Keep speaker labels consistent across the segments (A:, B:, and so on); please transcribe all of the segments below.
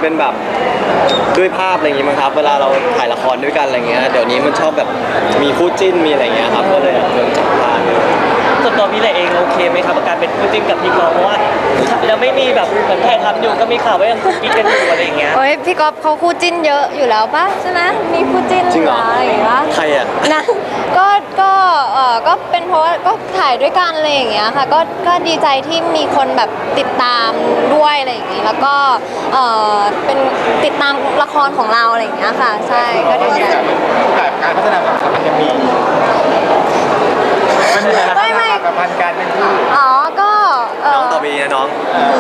A: เป็นแบบด้วยภาพอะไรอย่างงี้มั้งครับเวลาเราถ่ายละครด้วยกันอะไรเงี้ยเดี๋ยวนี้มันชอบแบบมีคู่จิ้นมีอะไรเงี้ยครับก็เลยโดนจับตาเลย
B: ส่วนตัวพี่เลยเองโอเคไหมครับกับการเป็นคู่จิ้นกับพี่กอล์ฟเพราะว่ายังไม่มีแบบเหมือนถ่ายทำอยู่ก็มีข่าวว่ายังคุกกิ๊กกันอยู่อะไรอย่างเงี้ย
C: โอ้ยพี่ก๊อฟเขาคู่จิ้นเยอะอยู่แล้วปะใช่ไหมมีคู่จิ้น
A: จริงเหรอ
C: อะไรอย่างเงี้ย
A: ใครอ่ะ
C: นะก็เป็นเพราะว่าก็ถ่ายด้วยกันอะไรอย่างเงี้ยค่ะก็ดีใจที่มีคนแบบติดตามด้วยอะไรอย่างเงี้ยแล้วก็เป็นติดตามละครของเราอะไรอย่างเงี้ยค่ะใช่ก็ดีใจ
D: การพัฒนาความสัมพันธ์ยังมีมันมีอะไรกับพันการเป็นคู่
C: อ๋อก็
A: น้องต่อไปนะน้อง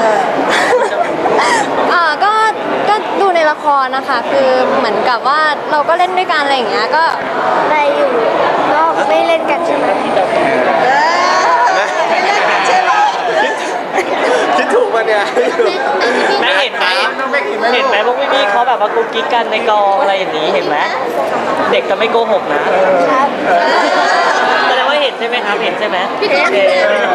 C: ก็ดูในละครนะคะคือเหมือนกับว่าเราก็เล่นด้วยกันอะไรอย่างเงี้ยก็ได้อยู่ก็ไม่เล่นกันใช่ไหม
A: คิดถูกป่ะเนี่ย
B: แม่เห็นไหมพวกพี่ๆเขาแบบว่ากุ๊กกิ๊กกันในกองอะไรอย่างนี้เห็นไหมเด็กจะไม่โกหกนะครับแสดงว่าเห็นใช่ไหมครับเห็นใช่ไหมพี่ก๊อฟมี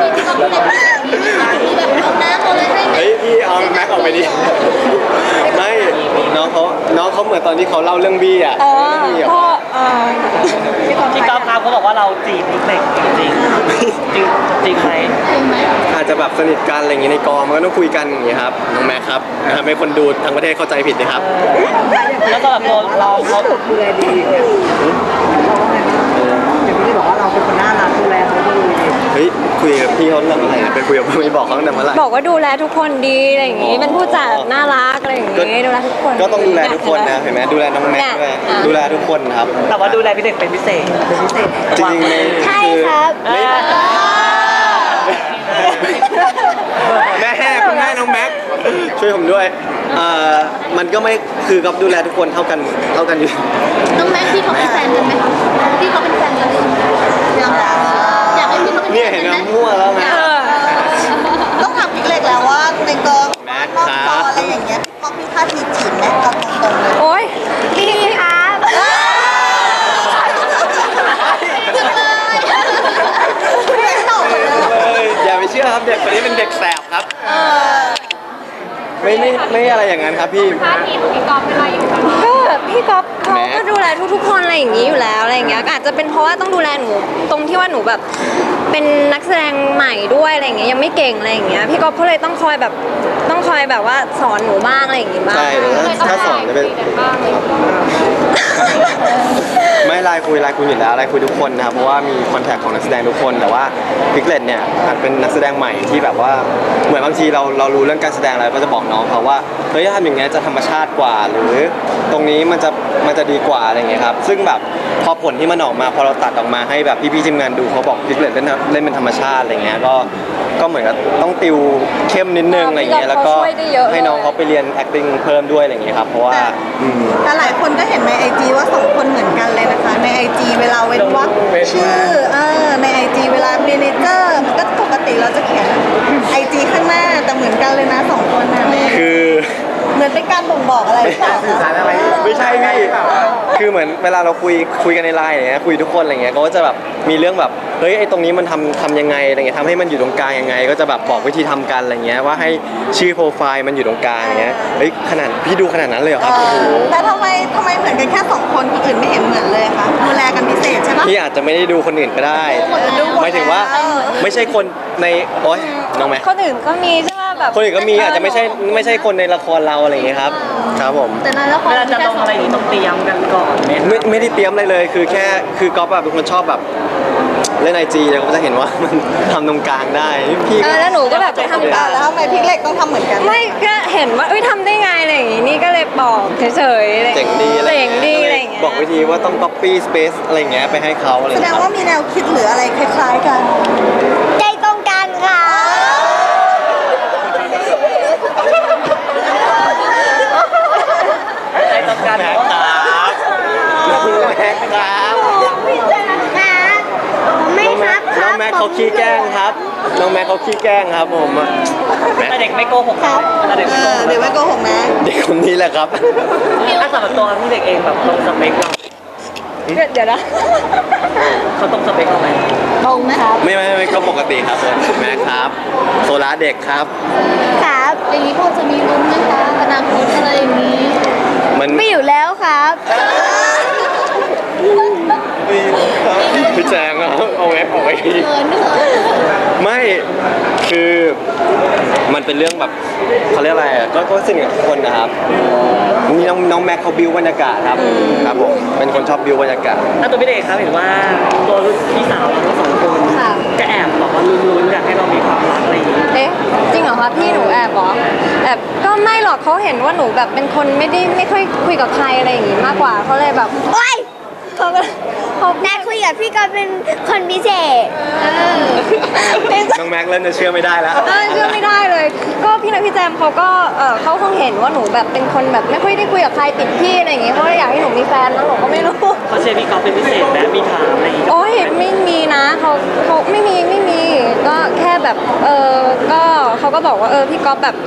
B: แบบเอาน้ำเอาอะไรให้ไหม
A: เฮ้ยพี่เอาแม็กออกไปดิไม่น้องเขาเหมือนตอนที่เขาเล่าเรื่องบี้อ่ะ
C: พ่อ
B: พี่ก๊อฟครับเขาบอกว่าเราจีบนิกเล็กจริงจริงไหม
A: อาจจะแบบสนิทกันอะไรอย่างงี้ในกองมันก็ต้องคุยกันอย่างงี้ครับน้องแม็กครับนะครับให้คนดูทั้งประเทศเข้าใจผิดนะครับ
B: แล้วก็แบบตัวเราเขา
E: ดูแลดีเนี่ยอย่างที่บอกว่าเราเป็นคนน่ารักดูแลเขาดี
A: เฮ้ยคุยกับพี่เขาเรื่องอะไรนะไปคุยกับไม่บอกเขาตั้งแต่เมื่อไหร่
C: บอกว่าดูแลทุกคนดีอะไรอย่างงี้เป็นผู้จัดน่ารักอะไรอย่างงี้ดูแลทุกคน
A: ก็ต้องดูแลทุกคนนะเห็นไหมดูแลน้องแม็กด้วยดูแลทุกคนครับ
B: แต่ว่าดูแลพี่เด็กเป็นพิเศษ
A: จริงๆ
C: ใช่ครับ
A: แม่คุณแม่น้องแม็กช่วยผมด้วยมันก็ไม่คือกับดูแลทุกคนเท่ากันอยู่
C: น้องแม็กที่เขาเป็นแฟนกันไหมคะที่เขาเป็นแฟนกันอยากให้พี่เขาเป็น
A: เนี่ยเห็นน้ำมั่วแล้วไง
F: ต้องถามพี่เล็กแล้วว่าในกองนอกจออะไรอย่างเงี้ยพอพี่ท่าทีจีบแม็กกับตรงๆเลย
C: โอ้ยพี่ครับ
A: อย่าไปเชื่อครับเด็กคนนี้เป็นเด็กแสบครับไม่อะไรอย่างนั้นครับพี่
C: ท่าทีของพี่ก๊อฟเป็นอะไรอยู่ก็พี่ก๊อฟเขาก็ดูแลทุกคนอะไรอย่างนี้อยู่แล้วอะไรอย่างเงี้ยอาจจะเป็นเพราะว่าต้องดูแลหนูตรงที่ว่าหนูแบบเป็นนักแสดงใหม่ด้วยอะไรอย่างเงี้ยยังไม่เก่งอะไรอย่างเงี้ยพี่ก๊อฟเขาเลยต้องคอยแบบว่าสอนหนูบ้างอะไรอย่างงี้บ้าง
A: ใช่ถ้าสอนจะเป็นไม่ไลน์คุยอยู่แล้วไลน์คุยทุกคนนะครับเพราะว่ามีคอนแทคของนักแสดงทุกคนแต่ว่าพิกเลตเนี่ยอาจเป็นนักแสดงใหม่ที่แบบว่าเหมือนบางทีเรารู้เรื่องการแสดงแล้วก็จะบอกน้องเขาว่าเฮ้ยถ้าทำอย่างเงี้ยจะธรรมชาติกว่าหรือตรงนี้มันจะดีกว่าอะไรเงี้ยครับซึ่งแบบพอผลที่มันออกมาพอเราตัดออกมาให้แบบพี่ๆทีมงานดูเขาบอกพิกเลตเล่นเป็นธรรมชาติอะไรเงี้ยก็เหมือนกับต้องติวเข้มนิดนึงอะไรเงี้ยแล้วก็ให้น้องเขาไปเรียน acting เพิ่มด้วยอะไรเงี้ยครับเพราะว่า
F: แต่หลายคนก็เห็นในไอจีว่าสองคนเหมือนกันเลยนะคะในไอจีเวลาเว้นวรรคชื่อในไอจีเวลาเมเนเจอร์มันก็ปกติเราจะเขียนไอจีข้างหน้าแต่เหมือนกันเลยนะสองคนนะ
A: คือ
F: เหมือนเป็นการบ่งบอกอะไรหรือเปล่า
A: ไม่ใช่พี่คือเหมือนเวลาเราคุยกันในไลน์อย่างเงี้ยคุยทุกคนอะไรเงี้ยก็จะแบบมีเรื่องแบบเฮ้ยไอ้ตรงนี้มันทำยังไงอะไรเงี้ยทำให้มันอยู่ตรงกลางยังไงก็จะแบบบอกวิธีทำกันอะไรเงี้ยว่าให้ชื่อโปรไฟล์มันอยู่ตรงกลางอย่างเงี้ยเฮ้ยขนาดพี่ดูขนาดนั้นเลยเหรอครับ
F: แต่ทำไมเหมือนกันแค่สองคนคนอื่นไม่เห็นเหมือนเลยคะดูแลกันพิเศษใช่ไหม
A: พี่อาจจะไม่ได้ดูคนอื่นก็ได้หมายถึงว่าไม่ใช่คนในโอ๊ยน้องแม่
C: คนอื่นก็มีใช่ไหมแบบ
A: คนอื่นก็มีอาจจะไม่ใช่คนในละครเราอะไรอย่างเงี้ยครับครับผม
C: แต่ในละคร
B: เวลาจะลงอะไรอย่างนี้ต้องเตรียมกันก่อน
A: ไม่ได้เตรียมอะไรเลยคือก๊อฟแบบเป็นคนชอบแบบเล่นไอจีแล้วก็จะเห็นว่ามันทำตรงกลางได้พี่
C: แล้วหนูก็แบบจะทำตาม
F: แล้วทำไมพี่เล็กต้องทำเหมือนกัน
C: ไม่ก็เห็นว่าทำได้ไงอะไรอย่างงี้นี่ก็เลยบอกเฉยๆ
A: เจ๋งดีอะไรอย่างเงี้ยบอกวิธีว่าต้อง copy space อะไรอย่างเงี้ยไปให้เขาอะไร
F: แสดงว่ามีแนวคิดหรืออะไรคล้ายๆกัน
C: ใจตรงกันค่ะ
B: ใจตรงกัน
A: ครับแม็กครับน้องแม็กเขาขี้แกล้งครับน้องแม็กเขาขี้แกล้งครับผม
B: แต่เด็กไม่โกหกครับ
F: เด็กไม่โกหกนะ
A: เด็กคนนี้แหละครับ
B: ถ้าสำหรับตัวพี่เด็กเองแบบตรงสเปคเรา
C: เดี๋ยวนะ
B: เขาตรงสเปคเราไหม
C: ตรงไหมครับ
A: ไม่ก็ปกติครับผมแม็กครับโซล่าเด็กครับ
C: ครับ
G: อย่างนี้พอจะมีลุ้นไหมคะอนาคตอะไรอย่างนี้
A: มัน
C: ไม่อยู่แล้วครับ
A: พี่แจงเอาแอปออกไป
G: เขิน
A: ไม่คือมันเป็นเรื่องแบบเขาเรียกอะไรอ่ะก็สนิทกับทุกคนนะครับมีน้องแม็กเขาบิวบรรยากาศครับครับผมเป็นคนชอบบิวบรรยากาศ
B: ถ้าตัวพี่เด็กครับเห็นว่าตัวพี่สาวเราทั้งสองคน
C: ค่ะ
B: ก็แอบบอกว่าลุ้นๆอยากให้เรามีความรักอะไรอย่างนี้
C: เอ๊ะจริงเหรอคะพี่หนูแอบเหรอแอบก็ไม่หรอกเขาเห็นว่าหนูแบบเป็นคนไม่ค่อยคุยกับใครอะไรอย่างงี้มากกว่าเขาเลยแบบโอ๊ยเขาก็เขา
H: แม่คุยกับพี่ก็เป็นคนพิเศษ
A: น้องแม็กเริ่มจะเชื่อไม่ได้แล้ว
C: เชื่อไม่ได้เลย ก็พี่นัทพี่แจมเขาก็เขาคงเห็นว่าหนูแบบเป็นคนแบบไม่ค่อยได้คุยกับใครติดพี่อะไรอย่างงี้เขาเลยอยากให้หนูมีแฟนแล้วหนูก็ไม่รู้
B: เขาเชียร์พี่ก๊อฟเป็นพิเศษไหมมีถามอะไรอย่างนี้
C: โอ้ยไม่มีนะเขาไม่มีก็แค่แบบก็เขาก็บอกว่าพี่ก๊อฟแบบ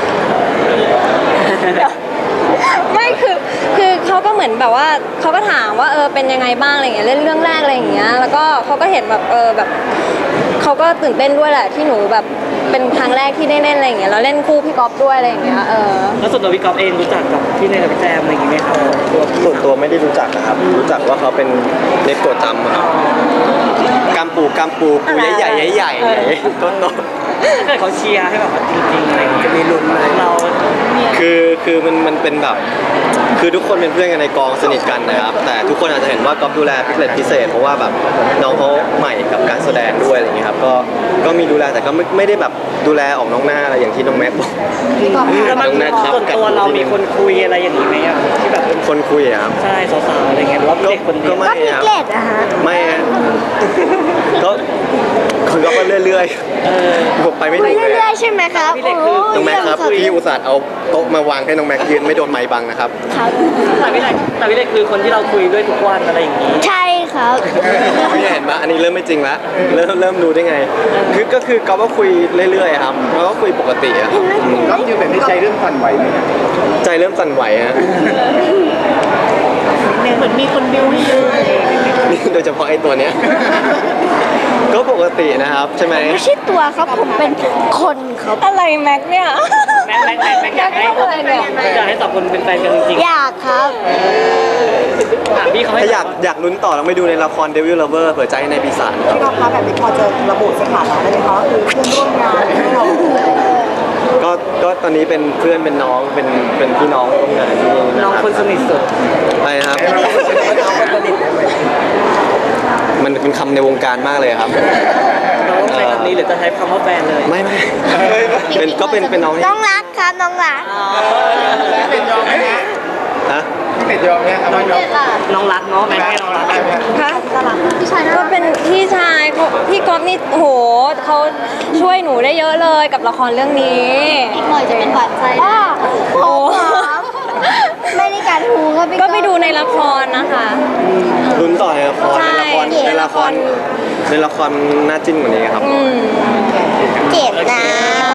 C: ไม่คือเขาก็เหมือนแบบว่าเขาก็ถามว่าเป็นยังไงบ้างอะไรอย่างเงี้ยเล่นเรื่องแรกอะไรอย่างเงี้ยแล้วก็เขาก็เห็นแบบแบบเขาก็ตื่นเต้นด้วยแหละที่หนูแบบเป็นครั้งแรกที่ได้เล่นอะไรอย่างเงี้ยแล้วเล่นคู่พี่ก๊อฟด้วยอะไรอย่างเงี้ย
B: แล้วส่วนตัวพี่ก๊อฟเองรู้จักกับพี่เนยกับพี่แจมอะไรอย่างนี้ไหมครับ
A: ส่วนตัวไม่ได้รู้จักนะครับ รู้จักว่าเขาเป็นเน็กตัวจำอะกำปูใหญ่ต้น
B: ถ้าเกิดเขาเชียร์ให้แบบว่าจริงๆอะไรอย่างนี้มีลุ้นไหมเรา
A: คือมันเป็นแบบคือทุกคนเป็นเพื่อนกันในกองสนิทกันนะครับแต่ทุกคนอาจจะเห็นว่าก๊อฟดูแลพิเศษพิเศษเพราะว่าแบบน้องเขาใหม่กับการแสดงด้วยอะไรอย่างเงี้ยครับก็มีดูแลแต่ก็ไม่ได้แบบดูแลออกน้องหน้าอะไรอย่างที่น้องแม็กบอก
B: แล้วมัน
A: น้องแม็กครับ
B: ส่วนตัวเรามีคนคุยอะไรอย่างนี้ไหมอะที่แบบเป็น
A: คนคุยอะครับ
B: ใช่สาวๆอะไรเงี้ยหรือว่าเด็กคนเดียว
A: ก็ไม่
H: ก็พี่
A: ครับ
H: เกล็ดอะฮะ
A: ไม่ฮะก็คือก็เรื่อยๆผมไปไม่
H: คุ
A: ถู
H: ย
A: กเลย
H: เรื่อยๆใช่ไหมครับ
B: พี่เล็กคือ
A: น้องแม็กครับพี่อุตส่าห์เอาโต๊ะมาวางให้น้องแม็กยืนไม่โดนไม้บังนะครับ
H: ครับ
B: แต่พี่เล็กคือคนที่เราคุยด้วยทุกวันอะไรอย่างนี้
H: ใช่ครับ
A: ไม่เห็นปะอันนี้เริ่มไม่จริงละเริ่มรู้ได้ไงก็คือก๊อฟก็คุยเรื่อยๆครับแล้วก็คุยปกติอะครับ
D: ก็ยืนแบบนี้ใจเรื่องสั่นไหวไหมครับ
A: ใจเริ่มสั่นไหวฮะ
F: เหมือนมีคนบิวให้เยอะอะไรอย่างเงี้ย
A: นี่โดยเฉพาะไอ้ตัวเนี้ยก็ปกตินะครับใช่ไหม
H: ไม่ใช่ตัวครับผมเป็นคนครับ
C: อะไรแม็กเนี่ย
B: แม็กอยากให้
C: อะไรเนี่ย
B: อยากให้สองคนเป็นแฟนกันจริง
H: อยากครับ
B: ๆถามพี่เขาให้
A: ถ้าอยากลุ้นต่อต้องไปดูในละคร Devil Lover เปิดใจในปีศาจครับ
E: พี่ก๊อฟคะแบบนี้พอจะระบุสถานะได้ไหมคะว่าคือเพื่อนร่วมงานที่เรา
A: ก็ตอนนี้เป็นเพื่อนเป็นน้องเป็นพี่น้องร่วมงานที่นี่
B: น้องคนสนิทสุด
A: ใช่ครับมันเป็นคำในวงการมากเลยครับ
B: น้องใช้คำนี้หรือจะใช้คำว่าแฟนเลย
A: ไม่เป็นน้องที่
H: น้องรักครับน้องรัก
D: พี่เป็ดยอมไหมฮะ
A: ฮะ
D: พี่เป็ดยอมไหมครับว่ายอม
B: น้องรักเนาะแม็กให้น้องรัก
C: คะก็เป็นพี่ชายเขาพี่ก๊อฟนี่โอ้โหเขาช่วยหนูได้เยอะเลยกับละครเรื่องนี้
G: อีกหน่อยจะเป็นหวานใจ
H: อ้อโอ้ครับไม่ได้กัดหูครับพี่
C: ก็ไปดูในละครนะคะ
A: ลุ้นต่อในละคร
C: ใช่
A: ในละครน่าจิ้นกว่านี้ครับ
C: อืม
H: เจ็บนะ